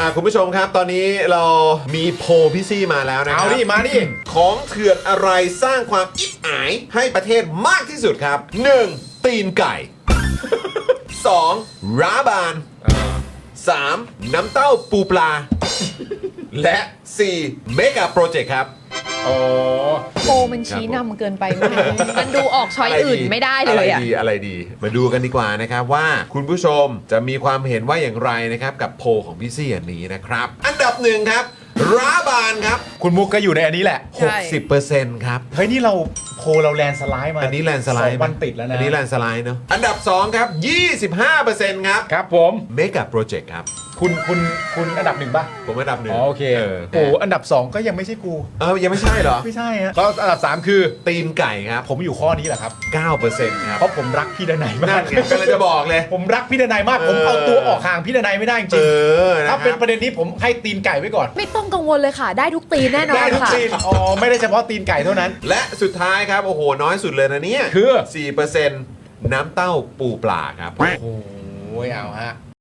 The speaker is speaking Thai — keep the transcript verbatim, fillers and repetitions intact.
อ่ะคุณผู้ชมครับตอนนี้เรามีโพลพี่ซี่มาแล้วนะครัเอาดิมาดิของเถื่อนอะไรสร้างความอิจฉาให้ประเทศมากที่สุดครับ หนึ่ง ตีนไก่ สอง ร้าบาน สาม น้ำเต้าปูปลา และ สี่ เมกะโปรเจกต์ครับโอ้โพลมันชี้นำเกินไปมากมันดูออกช้อยอื่นไม่ได้เลยอ่ะอะไรดีอะไรดีมาดูกันดีกว่านะครับว่าคุณผู้ชมจะมีความเห็นว่าอย่างไรนะครับกับโพลของพี่ซี่อันนี้นะครับ อันดับหนึ่งครับร้าบานครับคุณมุกก็อยู่ในอันนี้แหละใช่หกสิบเปอร์เซ็นต์ ครับเฮ้ยนี่เราโพลเราแลนด์สไลด์มาอันนี้แลนด์สไลด์สองวันติดแล้วนะอันนี้แลนด์สไลด์เนาะอันดับสองครับ ยี่สิบห้าเปอร์เซ็นต์ ครับครับผมเมกะโปรเจกต์ครับคุณคุณคุณอันดับหนึ่งป่ะผมอันดับหนึ่งอ๋อโอเคเออโอ้อันดับสองก็ยังไม่ใช่กูเออยังไม่ใช่เหรอไม่ใช่ฮะแล้วอันดับสามคือตีนไก่ครับผมอยู่ข้อนี้แหละครับเก้าเปอร์เซ็นต์ ครับเพราะผมรักพี่ดนัยมานั่กนไงกำลังจะบอกเลยผมรักพี่ดนัยมาก ผมเออเอาตัวออกห่างพี่ดนัยไม่ได้จเอริงอๆนะคถ้ารับเป็นประเด็นนี้ผมให้ตีนไก่ไว้ก่อนไม่ต้องกังวลเลยค่ะ ได้ทุกตีนแน่นอได้นทุกค่ะตีนอ๋อไม่ได้เฉพาะตีนไก่เท่านั้นและสุดท้ายครับโอ้โหน้อยสุดเลยนะเนี่ยคือสี่เปอร์เซ็นต์ น้ำเต้าปูปลาครับโอ้โหเอาฮะ